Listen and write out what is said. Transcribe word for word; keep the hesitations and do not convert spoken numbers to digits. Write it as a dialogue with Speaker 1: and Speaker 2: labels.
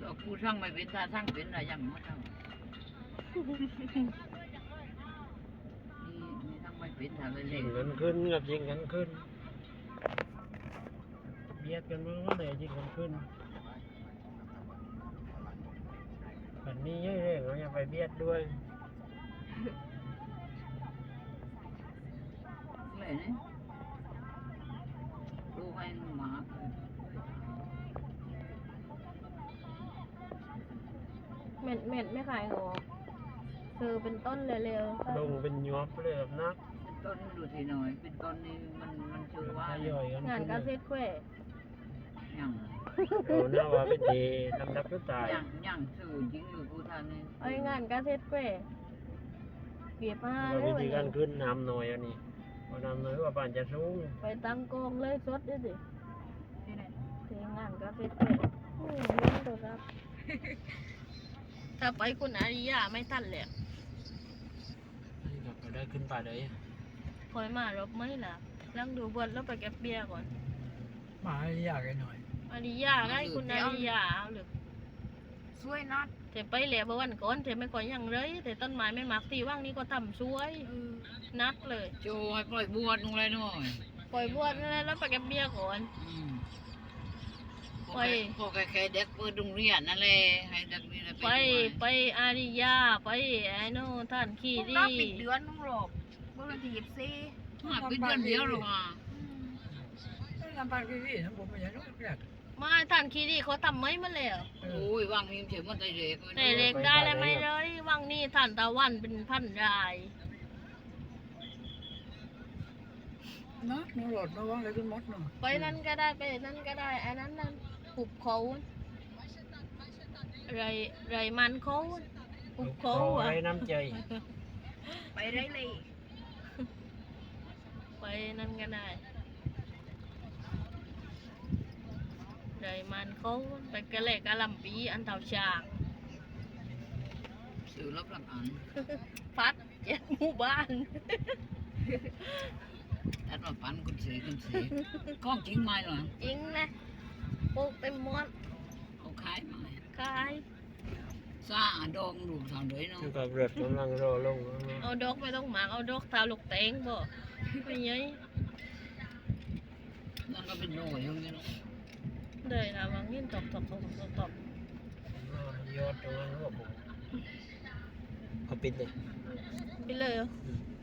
Speaker 1: ก็กูช่างไม่เป็นท่าช่างเป็นอะไรอย่างมั้งนี่นี่ช่างไม่เป็นท่าเลย
Speaker 2: ยิงกันขึ้นกับยิงกันขึ้นเบียดกันมาเมื่อไหร่ยิงกันขึ้นแบบนี้เยอะเลยเราอย่าไปเบียดด้วย
Speaker 1: เลยนี่ดูให้หมา
Speaker 3: เม็ดเม็ดไม่ขายหัวคือเป็นต้นเร็วๆ
Speaker 2: ลงเป็นยอบเลยแบบนัก
Speaker 1: เป็นต้นดูทีหน่อยเป็นต้นนี่มันมันชื่อว่า
Speaker 2: ย่อยกัน
Speaker 3: งาน
Speaker 2: ขึ้น
Speaker 3: กาเซ็ตเว้ย
Speaker 1: อย่าง
Speaker 2: เอาหน้าว่าเป็นดีลำดับก็ตาย
Speaker 1: อย่างอย่างสื่อจริงอยู่กูทานนี่
Speaker 3: ไอ้งานกาเซ็ตเว้ยเก็บมา
Speaker 2: เรา
Speaker 3: เลย
Speaker 2: วิ
Speaker 3: วัน
Speaker 2: ธี
Speaker 3: นี้
Speaker 2: การขึ้นน้ำหน่อยอันนี้พอน้ำหน่อยว่าป่านจะสูง
Speaker 3: ไปตั้งกองเลยสดด้วยสิ
Speaker 1: ที่ไหน
Speaker 3: เทงานกาเซ็ตเว้ยอืมเล่นตัวครับถ้าไปคุณอาริยาไม่ทันเลย
Speaker 2: นี่ก็ได้ขึ้นป่าเลย
Speaker 3: คอยมารบไม่ล่ะลังดูบนแล้วไปเก็บเบียร์ก่อน
Speaker 2: มาอยากหน่อย
Speaker 3: อาริยาได้คุณอาริยาเอาหรือ
Speaker 1: ช่วยนัด
Speaker 3: เทไปเหลียบวันก่อนเทไม่ค่อยยังเลยแต่ต้นไม้ไม่มักตีว่างนี้ก็ทำสวยนักเลย
Speaker 1: โจให้ปล่อยบวชลงเลยหน่อย
Speaker 3: ปล่อยบวชนั่นแหละแล้วไปเก็บเบียร์ก่อน
Speaker 1: อืม
Speaker 3: ไป
Speaker 1: พอแค่เด็กเปิดโรงเรียนนั่นแหละให้เด็กนี่แหละ
Speaker 3: ไปไปอาริยาไปไอ้โน่ท่านขี้ดี
Speaker 4: รับปิดเดือนนึงหรอกเมื่อวันที่ยี่สิบสี่
Speaker 1: มาเป็นเดือนเดียวหรอกอ่ะ
Speaker 2: ลำบากที่นี่ทั้งผมไม่ใช่ลูกแรก
Speaker 3: มาท่านขี้ดีเขาทำไม่มาแล้ว
Speaker 1: โอ้ยวางมีมเฉยมันใจเด็ก
Speaker 3: แต่เล็กได้แล้วไม่เลยว่างนี่ท่านตะวันเป็นพันราย
Speaker 2: นักนี่รถระวังเลยขึ้นมดเนาะ
Speaker 3: ไปนั่นก็ได้ไปนั่นก็ได้อันนั้นนั่นหุบเขาไรไรมันเขาหุบเขาอ่ะ
Speaker 2: ไรน้ำใจ
Speaker 4: ไปได้เลย
Speaker 3: ไปนั่นก็ได้ไรมันเขาไปกระเล็กกระลำปีอันเท่าช้าง
Speaker 1: สื่อรับหลักอัน
Speaker 3: พัดเจ็ดหมู่บ้าน
Speaker 1: แอดมาปันคุณสีคุณสีกล้องจริงไหมหรอ
Speaker 3: จริงนะปลูกเต็มหมด
Speaker 1: เอาขายมา
Speaker 3: ขาย
Speaker 1: ซาดองดูทางเดยเนาะ
Speaker 2: คือกับเรือดกำลังรอลง
Speaker 3: เอาดอกไม่ต้องหมากเอาดอกทาลูกเตงบ่ไม่ยัย
Speaker 1: นั่นก็เป็นโรยอย่างนี้เนาะ
Speaker 3: เลยนะวางยินตบตบตบตบตบ
Speaker 2: ยอดตรงนั้นว่าผมเอาปิดเลย
Speaker 3: ไปเลยเหรอ
Speaker 2: อืม